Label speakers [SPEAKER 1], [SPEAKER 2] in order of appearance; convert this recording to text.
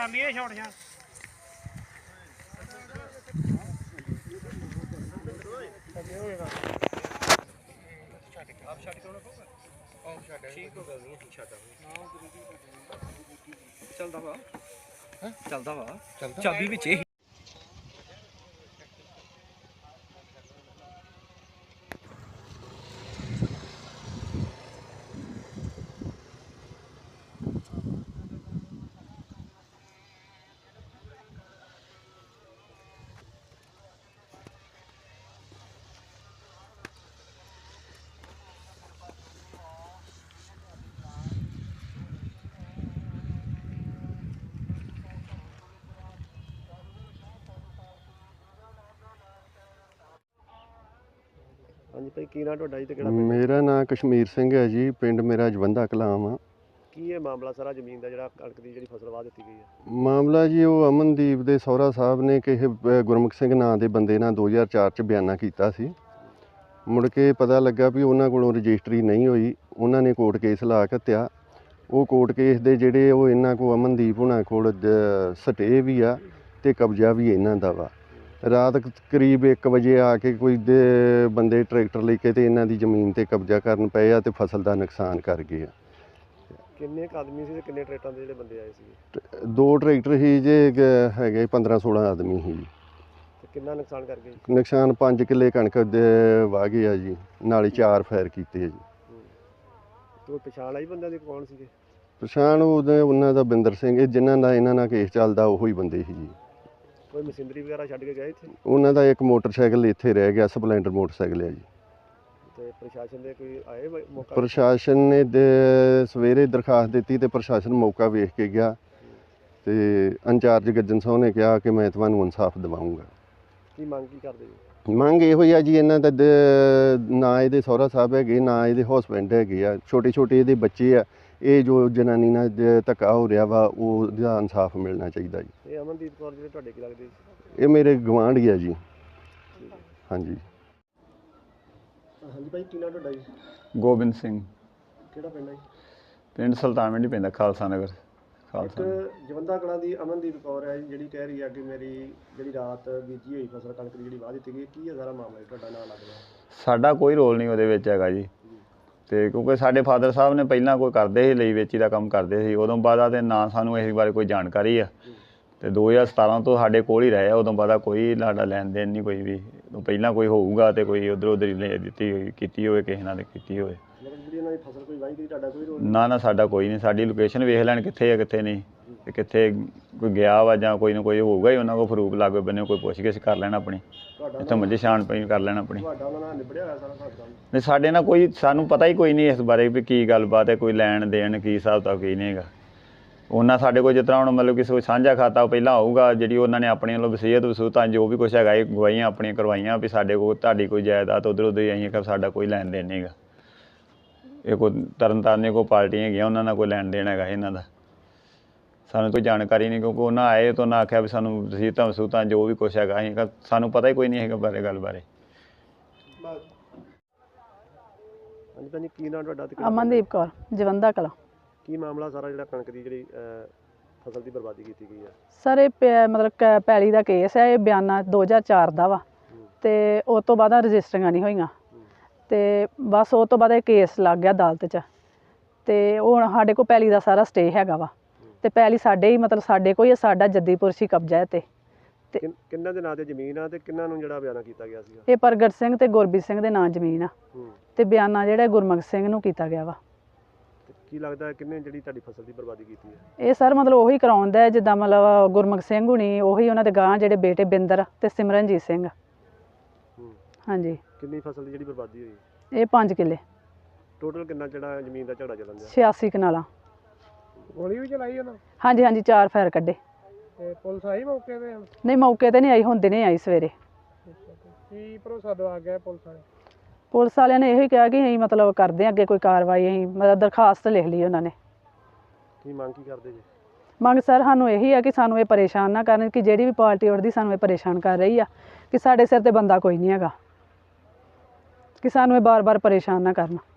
[SPEAKER 1] ਕਰ ਲਈਏ ਛੋਟ ਛਾਂ ਚੱਲਦਾ ਵਾ ਚਾਬੀ ਵਿੱਚ ਹੀ
[SPEAKER 2] ਹਾਂਜੀ ਭਾਈ ਕੀ ਨਾਂ ਤੁਹਾਡਾ ਜੀ ਤੇ ਕਿਹੜਾ
[SPEAKER 3] ਮੇਰਾ ਨਾਂ ਕਸ਼ਮੀਰ ਸਿੰਘ ਹੈ ਜੀ। ਪਿੰਡ ਮੇਰਾ ਜਵੰਦਾ ਕਲਾਮ ਆ।
[SPEAKER 2] ਕੀ ਇਹ ਮਾਮਲਾ ਸਾਰਾ ਜ਼ਮੀਨ ਦਾ ਜਿਹੜਾ ਕਣਕ ਦੀ ਜਿਹੜੀ ਫਸਲ ਵਾਹ ਦਿੱਤੀ ਗਈ ਹੈ?
[SPEAKER 3] ਮਾਮਲਾ ਜੀ ਉਹ ਅਮਨਦੀਪ ਦੇ ਸਹੁਰਾ ਸਾਹਿਬ ਨੇ ਕਿਸੇ ਗੁਰਮੁਖ ਸਿੰਘ ਨਾਂ ਦੇ ਬੰਦੇ ਨਾਲ 2004 ਚ ਬਿਆਨਾ ਕੀਤਾ ਸੀ। ਮੁੜ ਕੇ ਪਤਾ ਲੱਗਾ ਵੀ ਉਹਨਾਂ ਕੋਲੋਂ ਰਜਿਸਟਰੀ ਨਹੀਂ ਹੋਈ। ਉਹਨਾਂ ਨੇ ਕੋਰਟ ਕੇਸ ਲਾ ਘੱਤਿਆ। ਉਹ ਕੋਰਟ ਕੇਸ ਦੇ ਜਿਹੜੇ ਉਹ ਇਹਨਾਂ ਕੋਲ ਅਮਨਦੀਪ ਹੁਣਾਂ ਕੋਲ ਸਟੇ ਵੀ ਆ ਤੇ ਕਬਜ਼ਾ ਵੀ ਇਹਨਾਂ ਦਾ ਵਾ। ਰਾਤ ਕਰੀਬ 1 ਵਜੇ ਆ ਕੇ ਕੋਈ ਬੰਦੇ ਟਰੈਕਟਰ ਲੈ ਕੇ ਤੇ ਇਹਨਾਂ ਦੀ ਜ਼ਮੀਨ ਤੇ ਕਬਜ਼ਾ ਕਰਨ ਪਏ ਆ ਤੇ ਫਸਲ ਦਾ ਨੁਕਸਾਨ ਕਰ ਗਏ ਆ।
[SPEAKER 2] ਕਿੰਨੇ ਆਦਮੀ ਸੀ ਤੇ ਕਿੰਨੇ ਟਰੈਕਟਰਾਂ ਦੇ ਜਿਹੜੇ ਬੰਦੇ ਆਏ ਸੀ?
[SPEAKER 3] 2 ਟਰੈਕਟਰ ਸੀ ਜੇ ਹੈਗੇ 15-16 ਆਦਮੀ ਸੀ।
[SPEAKER 2] ਤੇ ਕਿੰਨਾ ਨੁਕਸਾਨ ਕਰ ਗਏ?
[SPEAKER 3] ਨੁਕਸਾਨ 5 ਕਿੱਲੇ ਕਣਕ ਦੇ ਵਾਹ ਗਏ ਆ ਜੀ, ਨਾਲੇ 4 ਫਾਇਰ ਕੀਤੇ ਆ ਜੀ।
[SPEAKER 2] ਕੋਈ ਪਛਾਣ ਆਈ ਬੰਦਿਆਂ ਦੀ ਕੌਣ ਸੀਗੇ?
[SPEAKER 3] ਪਛਾਣ ਉਹਨਾਂ ਦਾ ਬਿੰਦਰ ਸਿੰਘ ਜਿਨ੍ਹਾਂ ਦਾ ਇਹਨਾਂ ਨਾਲ ਕੇਸ ਚੱਲਦਾ ਉਹੀ ਬੰਦੇ ਸੀ ਜੀ।
[SPEAKER 2] ਕੋਈ ਮਸ਼ੀਨਰੀ ਵਗੈਰਾ ਛੱਡ ਕੇ ਗਏ ਇੱਥੇ?
[SPEAKER 3] ਉਹਨਾਂ ਦਾ ਇੱਕ ਮੋਟਰਸਾਈਕਲ ਇੱਥੇ ਰਹਿ ਗਿਆ, ਸਪਲੈਂਡਰ ਮੋਟਰਸਾਈਕਲ ਹੈ ਜੀ।
[SPEAKER 2] ਤੇ ਪ੍ਰਸ਼ਾਸਨ ਦੇ ਕੋਈ ਆਏ ਮੌਕਾ?
[SPEAKER 3] ਪ੍ਰਸ਼ਾਸਨ ਨੇ ਸਵੇਰੇ ਦਰਖਾਸਤ ਦਿੱਤੀ ਤੇ ਪ੍ਰਸ਼ਾਸਨ ਮੌਕਾ ਵੇਖ ਕੇ ਗਿਆ ਤੇ ਇੰਚਾਰਜ ਗੱਜਨ ਸਿੰਘ ਨੇ ਕਿਹਾ ਕਿ ਮੈਂ ਤੁਹਾਨੂੰ ਇਨਸਾਫ ਦਿਵਾਉਂਗਾ।
[SPEAKER 2] ਕੀ ਮੰਗ ਕੀ ਕਰਦੇ ਜੀ?
[SPEAKER 3] ਮੰਗ ਇਹੋ ਹੀ ਆ ਜੀ, ਇਹਨਾਂ ਦਾ ਨਾ ਇਹਦੇ ਸਹੁਰਾ ਸਾਹਿਬ ਹੈਗੇ ਨਾ ਇਹਦੇ ਹਸਬੈਂਡ ਹੈਗੇ ਆ, ਛੋਟੇ ਛੋਟੇ ਇਹਦੇ ਬੱਚੇ ਆ। ਇਹ ਜੋ ਜਨਾਨੀ ਨਾਲ ਧੱਕਾ ਹੋ ਰਿਹਾ ਵਾ ਉਹਦਾ ਇਨਸਾਫ ਮਿਲਣਾ ਚਾਹੀਦਾ ਜੀ।
[SPEAKER 2] ਇਹ ਅਮਨਦੀਪ ਕੌਰ ਜਿਹੜੇ ਤੁਹਾਡੇ ਕੀ ਲੱਗਦੇ?
[SPEAKER 3] ਇਹ ਮੇਰੇ ਗਵਾਂਢੀ ਆ ਜੀ। ਹਾਂਜੀ
[SPEAKER 2] ਹਾਂਜੀ ਭਾਈ ਕੀ ਨਾਂ ਤੁਹਾਡਾ ਜੀ?
[SPEAKER 4] ਗੋਬਿੰਦ ਸਿੰਘ।
[SPEAKER 2] ਕਿਹੜਾ ਪਿੰਡ ਹੈ ਜੀ?
[SPEAKER 4] ਪਿੰਡ ਸੁਲਤਾਨਵਿੰਡ ਹੀ ਪੈਂਦਾ, ਖਾਲਸਾ ਨਗਰ।
[SPEAKER 2] ਇੱਕ ਜਵੰਦਾ ਕਲਾਂ ਦੀ ਅਮਨਦੀਪ ਕੌਰ ਹੈ ਜਿਹੜੀ ਕਹਿ ਰਹੀ ਹੈ ਕਿ ਮੇਰੀ ਜਿਹੜੀ ਰਾਤ ਬੀਜੀ ਹੋਈ ਫਸਲ ਕਣਕ ਦੀ ਜਿਹੜੀ ਵਾਹ ਦਿੱਤੀ ਗਈ, ਕੀ ਹੈ ਸਾਰਾ ਮਾਮਲਾ? ਤੁਹਾਡਾ ਨਾਂ ਲੱਗ ਰਿਹਾ?
[SPEAKER 4] ਸਾਡਾ ਕੋਈ ਰੋਲ ਨਹੀਂ ਉਹਦੇ ਵਿੱਚ ਹੈਗਾ ਜੀ। ਤੇ ਕਿਉਂਕਿ ਸਾਡੇ ਫਾਦਰ ਸਾਹਿਬ ਨੇ ਪਹਿਲਾਂ ਕੋਈ ਕਰਦੇ ਸੀ ਲਈ ਵੇਚੀ ਦਾ ਕੰਮ ਕਰਦੇ ਸੀ, ਉਦੋਂ ਬਾਅਦ ਤੇ ਨਾ ਸਾਨੂੰ ਇਸ ਬਾਰੇ ਕੋਈ ਜਾਣਕਾਰੀ ਆ। ਤੇ 2017 ਤੋਂ ਸਾਡੇ ਕੋਲ ਹੀ ਰਹੇ ਆ, ਉਦੋਂ ਬਾਅਦ ਕੋਈ ਸਾਡਾ ਲੈਣ ਦੇਣ ਨਹੀਂ ਕੋਈ ਵੀ। ਪਹਿਲਾਂ ਕੋਈ ਹੋਊਗਾ ਤੇ ਕੋਈ ਉੱਧਰ ਉੱਧਰ ਲੈ ਦਿੱਤੀ ਹੋਈ ਕੀਤੀ ਹੋਵੇ, ਕਿਸੇ ਨਾਲ ਕੀਤੀ ਹੋਵੇ।
[SPEAKER 2] ਜਿਹੜੀ ਇਹਨਾਂ ਦੀ ਫਸਲ ਕੋਈ ਵਾਹੀ ਗਈ ਤੁਹਾਡਾ ਕੋਈ ਰੋਲ?
[SPEAKER 4] ਨਾ ਸਾਡਾ ਕੋਈ ਨਹੀਂ। ਸਾਡੀ ਲੋਕੇਸ਼ਨ ਵੇਖ ਲੈਣ ਕਿੱਥੇ ਆ ਕਿੱਥੇ ਨਹੀਂ, ਤੇ ਕਿੱਥੇ ਕੋਈ ਗਿਆ ਵਾ ਜਾਂ ਕੋਈ ਨਾ ਕੋਈ ਹੋਊਗਾ ਹੀ ਉਹਨਾਂ ਕੋਲ ਫਰੂਕ ਲਾਗੇ ਬੰਨੇ ਕੋਈ ਪੁੱਛ ਗਿੱਛ ਕਰ ਲੈਣ ਆਪਣੀ, ਇੱਥੇ ਮੱਝੀ ਛਾਣ ਪਈ ਕਰ ਲੈਣ ਆਪਣੀ।
[SPEAKER 2] ਤੁਹਾਡਾ ਉਹਨਾਂ ਨਾਲ ਨਿਬੜਿਆ ਹੋਇਆ ਸਾਰਾ ਹਿਸਾਬ?
[SPEAKER 4] ਨਹੀਂ ਸਾਡੇ ਨਾਲ ਕੋਈ, ਸਾਨੂੰ ਪਤਾ ਹੀ ਕੋਈ ਨਹੀਂ ਇਸ ਬਾਰੇ ਵੀ ਕੀ ਗੱਲਬਾਤ ਹੈ, ਕੋਈ ਲੈਣ ਦੇਣ ਕੀ ਹਿਸਾਬ ਤਾਂ ਕੀ ਨਹੀਂ ਹੈਗਾ। ਉਹਨਾਂ ਸਾਡੇ ਕੋਲ ਜਿਸ ਤਰ੍ਹਾਂ ਹੁਣ ਮਤਲਬ ਕਿਸੇ ਕੋਈ ਸਾਂਝਾ ਖਾਤਾ ਪਹਿਲਾਂ ਹੋਊਗਾ, ਜਿਹੜੀ ਉਹਨਾਂ ਨੇ ਆਪਣੀਆਂ ਵੱਲੋਂ ਵਸੀਅਤ ਵਸੂਤਾਂ ਜੋ ਵੀ ਕੁਛ ਹੈਗਾ ਇਹ ਗਵਾਹੀਆਂ ਆਪਣੀਆਂ ਕਰਵਾਈਆਂ ਵੀ ਸਾਡੇ ਕੋਲ ਤੁਹਾਡੀ ਕੋਈ ਜਾਇਦਾਦ ਉੱਧਰ ਉੱਧਰ ਆਈਆਂ ਕਿ ਸਾਡਾ ਕੋਈ ਲੈਣ ਦੇਣ ਨਹੀਂ ਹੈਗਾ। ਇਹ ਕੋਈ ਤਰਨਤਾਰਨੇ ਕੋਈ ਪਾਰਟੀਆਂ ਹੈਗੀਆਂ ਉਹਨਾਂ ਨਾਲ ਕੋਈ ਲੈਣ ਦੇਣ ਹੈਗਾ ਇਹਨਾਂ ਦਾ, ਸਾਨੂੰ ਕੋਈ ਜਾਣਕਾਰੀ ਨਹੀਂ। ਕਿਉਂਕਿ ਉਹਨਾਂ ਆਏ ਤਾਂ ਉਹਨਾਂ ਆਖਿਆ ਵੀ ਸਾਨੂੰ ਵਸੀਅਤਾਂ ਵਸੂਤਾਂ ਜੋ ਵੀ ਕੁਛ ਹੈਗਾ ਅਸੀਂ ਸਾਨੂੰ ਪਤਾ ਹੀ ਕੋਈ ਨਹੀਂ ਹੈਗਾ ਬਾਰੇ ਗੱਲ ਬਾਰੇ।
[SPEAKER 2] ਹਾਂਜੀ ਭਾਜੀ ਕੀ ਨਾਂ ਤੁਹਾਡਾ?
[SPEAKER 5] ਅਮਨਦੀਪ ਕੌਰ, ਜਵੰਦਾ ਕਲਾਂ।
[SPEAKER 2] ਕੀ ਮਾਮਲਾ ਸਾਰਾ ਜਿਹੜਾ ਕਣਕ ਦੀ ਜਿਹੜੀ ਫਸਲ ਦੀ ਬਰਬਾਦੀ ਕੀਤੀ ਗਈ ਹੈ?
[SPEAKER 5] ਸਰ ਇਹ ਮਤਲਬ ਪੈਲੀ ਦਾ ਕੇਸ ਹੈ। ਇਹ ਬਿਆਨਾ 2004 ਦਾ ਵਾ ਤੇ ਉਸ ਤੋਂ ਬਾਅਦ ਰਜਿਸਟਰੀਆਂ ਨਹੀਂ ਹੋਈਆਂ ਤੇ ਬਸ ਉਸ ਤੋਂ ਬਾਅਦ ਇਹ ਕੇਸ ਲੱਗ ਗਿਆ ਅਦਾਲਤ 'ਚ ਤੇ ਹੁਣ ਸਾਡੇ ਕੋਲ ਪੈਲੀ ਦਾ ਸਾਰਾ ਸਟੇ ਹੈਗਾ ਵਾ ਤੇ ਪੈਲੀ ਸਾਡੇ ਹੀ ਮਤਲਬ ਸਾਡੇ ਕੋਈ ਸਾਡਾ ਜੱਦੀਪੁਰਸ਼ੀ ਕਬਜ਼ਾ ਹੈ। ਤੇ
[SPEAKER 2] ਕਿੰਨਾਂ ਦੇ ਨਾਂ ਤੇ ਜ਼ਮੀਨ ਆ ਤੇ ਕਿੰਨਾਂ ਨੂੰ ਜਿਹੜਾ ਬਿਆਨਾ ਕੀਤਾ ਗਿਆ ਸੀਗਾ?
[SPEAKER 5] ਇਹ ਪ੍ਰਗਟ ਸਿੰਘ ਤੇ ਗੁਰਬੀਰ ਸਿੰਘ ਦੇ ਨਾਂ ਜ਼ਮੀਨ ਆ ਤੇ ਬਿਆਨਾ ਜਿਹੜਾ ਗੁਰਮੁਖ ਸਿੰਘ ਨੂੰ ਕੀਤਾ ਗਿਆ ਵਾ।
[SPEAKER 2] ਕੀ ਲੱਗਦਾ ਕਿੰਨੇ ਜਿਹੜੀ ਤੁਹਾਡੀ ਫਸਲ ਦੀ ਬਰਬਾਦੀ ਕੀਤੀ ਹੈ?
[SPEAKER 5] ਇਹ ਸਰ ਮਤਲਬ ਉਹੀ ਕਰਾਉਂਦਾ ਹੈ ਜਿੱਦਾਂ ਮਤਲਬ ਗੁਰਮੁਖ ਸਿੰਘ ਹੁਣੀ ਉਹੀ ਉਹਨਾਂ ਦੇ ਗਾਂ ਜਿਹੜੇ ਬੇਟੇ ਬਿੰਦਰ ਤੇ ਸਿਮਰਨਜੀਤ ਸਿੰਘ। ਹਾਂਜੀ।
[SPEAKER 2] ਕਿੰਨੀ ਫਸਲ ਦੀ ਜਿਹੜੀ ਬਰਬਾਦੀ ਹੋਈ?
[SPEAKER 5] ਇਹ 5 ਕਿੱਲੇ।
[SPEAKER 2] ਟੋਟਲ ਕਿੰਨਾ ਜਿਹੜਾ ਜ਼ਮੀਨ ਦਾ ਝਗੜਾ ਚੱਲਣ ਦਿਆ?
[SPEAKER 5] 86 ਕਨਾਲਾਂ।
[SPEAKER 2] ਗੋਲੀ ਵੀ ਚਲਾਈ ਉਹਨਾਂ?
[SPEAKER 5] ਹਾਂਜੀ ਹਾਂਜੀ 4 ਫਾਇਰ ਕੱਢੇ।
[SPEAKER 2] ਤੇ ਪੁਲਿਸ ਆਈ ਮੌਕੇ ਤੇ?
[SPEAKER 5] ਨਹੀਂ ਮੌਕੇ ਤੇ ਨਹੀਂ ਆਈ, ਹੁਣ ਦਿਨੇ ਆਈ ਸਵੇਰੇ।
[SPEAKER 2] ਕੀ ਭਰੋਸਾ ਦਵਾ ਗਿਆ ਪੁਲਿਸ ਵਾਲੇ?
[SPEAKER 5] ਪੁਲਿਸ ਵਾਲਿਆਂ ਨੇ ਇਹੋ ਹੀ ਕਿਹਾ ਕਿ ਅਸੀਂ ਮਤਲਬ ਕਰਦੇ ਹਾਂ ਅੱਗੇ ਕੋਈ ਕਾਰਵਾਈ। ਅਸੀਂ ਮਤਲਬ ਦਰਖਾਸਤ ਲਿਖ ਲਈ ਉਹਨਾਂ ਨੇ।
[SPEAKER 2] ਕੀ ਮੰਗ ਕੀ ਕਰਦੇ ਜੀ?
[SPEAKER 5] ਮੰਗ ਸਰ ਸਾਨੂੰ ਇਹੀ ਹੈ ਕਿ ਸਾਨੂੰ ਇਹ ਪਰੇਸ਼ਾਨ ਨਾ ਕਰਨ, ਕਿ ਜਿਹੜੀ ਵੀ ਪਾਰਟੀ ਉੱਠਦੀ ਸਾਨੂੰ ਇਹ ਪਰੇਸ਼ਾਨ ਕਰ ਰਹੀ ਆ, ਕਿ ਸਾਡੇ ਸਿਰ ਤੇ ਬੰਦਾ ਕੋਈ ਨਹੀਂ ਹੈਗਾ, ਕਿ ਸਾਨੂੰ ਇਹ ਬਾਰ-ਬਾਰ ਪਰੇਸ਼ਾਨ ਨਾ ਕਰਨ।